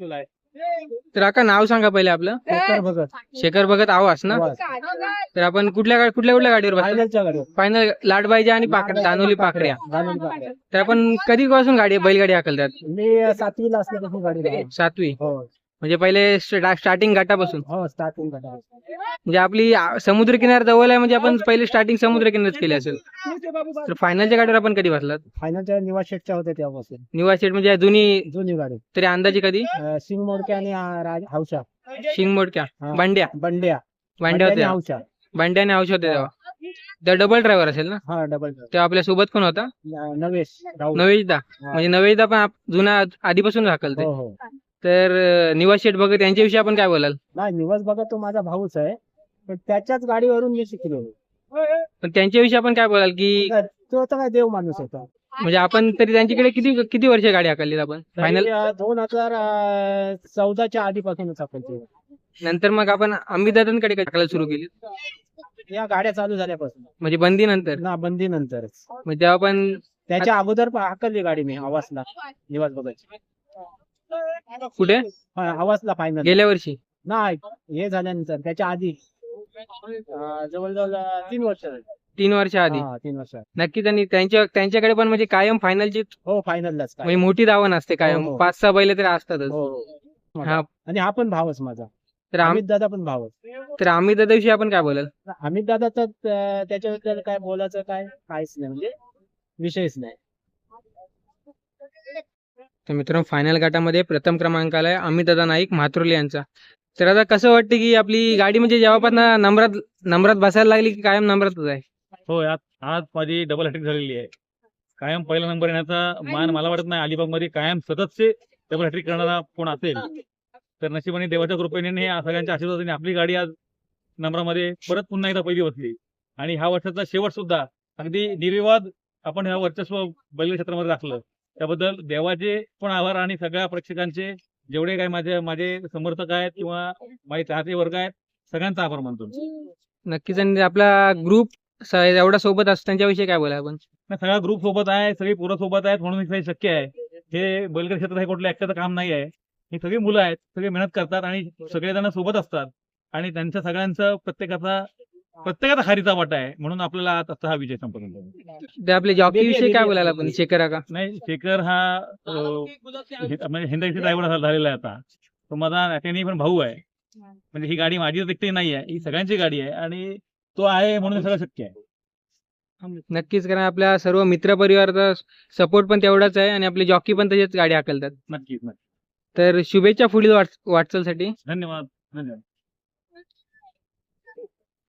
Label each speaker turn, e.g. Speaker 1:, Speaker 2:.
Speaker 1: तर काका नाव सांगा पहिले आपलं.
Speaker 2: शेखर भगत.
Speaker 1: शेखर भगत आवास ना.
Speaker 2: आवाज.
Speaker 1: तर आपण कुठल्या कुठल्या गाडीवर बसतो.
Speaker 2: फायनलच्या गाडीवर.
Speaker 1: फायनल लाडबाईच्या आणि दानोली पाकड्या.
Speaker 2: दानोली पाकड्या.
Speaker 1: तर आपण कधीपासून बैलगाडी हाकलतात.
Speaker 2: मी 7वीला असल्यापासून गाडी.
Speaker 1: 7वी.
Speaker 2: हो
Speaker 1: म्हणजे पहिले स्टार्टिंग घाटापासून.
Speaker 2: हो स्टार्टिंग गाडी.
Speaker 1: म्हणजे आपली समुद्र किनार जवळ आहे, म्हणजे आपण पहिले स्टार्टिंग समुद्र किनारच केली असेल. तर फायनलच्या गाडीवर आपण कधी बसलात.
Speaker 2: फायनलच्या निवास शेटच्या होत्या तेव्हापासून.
Speaker 1: निवास सेट म्हणजे
Speaker 2: जुनी गाडी.
Speaker 1: तरी अंदाजे कधी.
Speaker 2: सिंग मोडके आणि हौशा.
Speaker 1: शिंग मोडक्या बंड्या
Speaker 2: बंड्या
Speaker 1: होत्या.
Speaker 2: हौशा.
Speaker 1: बंड्या आणि औषध होते तेव्हा. त्या डबल ड्रायव्हर असेल ना.
Speaker 2: हा डबल.
Speaker 1: तेव्हा आपल्या सोबत कोण होता.
Speaker 2: नवेश राहुल.
Speaker 1: नवेशदा. म्हणजे नवेशदा पण जुना आधीपासून हाकलते.
Speaker 2: हो हो.
Speaker 1: तर निवास शेठ बघत यांच्याविषयी आपण काय बोलाल.
Speaker 2: नाही निवास बघत तो माझा भाऊच आहे, पण त्याच्याच गाडीवरून मी शिकलो.
Speaker 1: पण त्यांच्याविषयी आपण काय बोलाल की
Speaker 2: तो तर काय देव माणूस होता.
Speaker 1: म्हणजे आपण तरी त्यांच्याकडे किती किती वर्ष गाडी हाकलली आपण. फायनल
Speaker 2: 2014च्या आधीपासूनच आपण
Speaker 1: नंतर मग आपण अमितदादांकडे हाकलायला सुरू केली.
Speaker 2: या गाड्या चालू झाल्यापासून.
Speaker 1: म्हणजे बंदी नंतर.
Speaker 2: ना बंदी नंतरच.
Speaker 1: म्हणजे तेव्हा पण
Speaker 2: त्याच्या अगोदर हाकलली गाडी मी आवासला. निवास बघायची
Speaker 1: कुठे
Speaker 2: आवासला फायनल
Speaker 1: गेल्या वर्षी.
Speaker 2: नाही हे झाल्यानंतर त्याच्या आधी जवळजवळ 3 वर्ष.
Speaker 1: 3 वर्ष आधी.
Speaker 2: 3 वर्ष.
Speaker 1: नक्कीच. आणि त्यांच्याकडे पण म्हणजे कायम फायनलची.
Speaker 2: हो फायनललाच.
Speaker 1: म्हणजे मोठी धावण असते कायम.
Speaker 2: हो.
Speaker 1: 5-6 बैल तरी असतातच.
Speaker 2: हा. आणि हा पण भावच माझा.
Speaker 1: तर
Speaker 2: अमित दादा पण भावच.
Speaker 1: तर अमित दादाविषयी आपण काय बोलाल.
Speaker 2: अमित दादाच त्याच्याबद्दल काय बोलायचं काहीच नाही, म्हणजे विषयच नाही.
Speaker 1: तर मित्रांनो फायनल गटामध्ये प्रथम क्रमांकाला आहे अमितदादा नाईक म्हात्रोली यांचा. तर आता कसं वाटतं की आपली गाडी म्हणजे जेव्हापासून नंबरात बसायला लागली की कायम नंबरातच आहे.
Speaker 3: हो आज माझी डबल हॅट्रिक झालेली आहे. कायम पहिला नंबर येण्याचा मान मला वाटत नाही अलिबाग मध्ये कायम सततचे डबल हॅट्रिक करणारा कोण असेल. तर नशिबाने देवाच्या कृपेने सगळ्यांच्या आशीर्वादाने आपली गाडी आज नंबरामध्ये परत पुन्हा एकदा पहिली बसली. आणि ह्या वर्षाचा शेवट सुद्धा अगदी निर्विवाद आपण ह्या वर्चस्व बैलगाडी क्षेत्रामध्ये राखलं. त्याबद्दल देवाचे पण आभार आणि सगळ्या प्रेक्षकांचे, जेवढे काही माझे समर्थक आहेत किंवा माझे चाहते वर्ग आहेत, सगळ्यांचा आभार मानतो.
Speaker 1: नक्कीच. आणि आपला ग्रुप एवढा सोबत असतो त्यांच्याविषयी काय बोला आपण.
Speaker 3: सगळा ग्रुप सोबत आहे, सगळी पोरं सोबत आहेत म्हणून हे शक्य आहे. हे बैलगाडी क्षेत्र हे कुठलं एकट्याचं काम नाही आहे. ही सगळी मुलं आहेत, सगळे मेहनत करतात आणि सगळेजण सोबत असतात. आणि त्यांच्या सगळ्यांचं प्रत्येकाचा हारीचा वाटा आहे, म्हणून आपल्याला आता हा विजय संपन्न झाला.
Speaker 1: ते आपले जॉकी विषयी काय बोलायला आपण. शेखर का
Speaker 3: नाही, शेखर हा हिंदी ड्रायव्हर झालेला आहे आता. तो माझा त्याने पण भाऊ आहे. म्हणजे ही गाडी माझी एकटी नाही आहे, ही सगळ्यांची गाडी आहे आणि तो आहे म्हणून सगळं शक्य आहे.
Speaker 1: नक्कीच. कारण आपल्या सर्व मित्र परिवाराचा सपोर्ट पण तेवढाच आहे आणि आपले जॉकी पण तसेच गाडी हाकलतात.
Speaker 3: नक्कीच.
Speaker 1: तर शुभेच्छा पुढील वाटचालसाठी.
Speaker 3: धन्यवाद.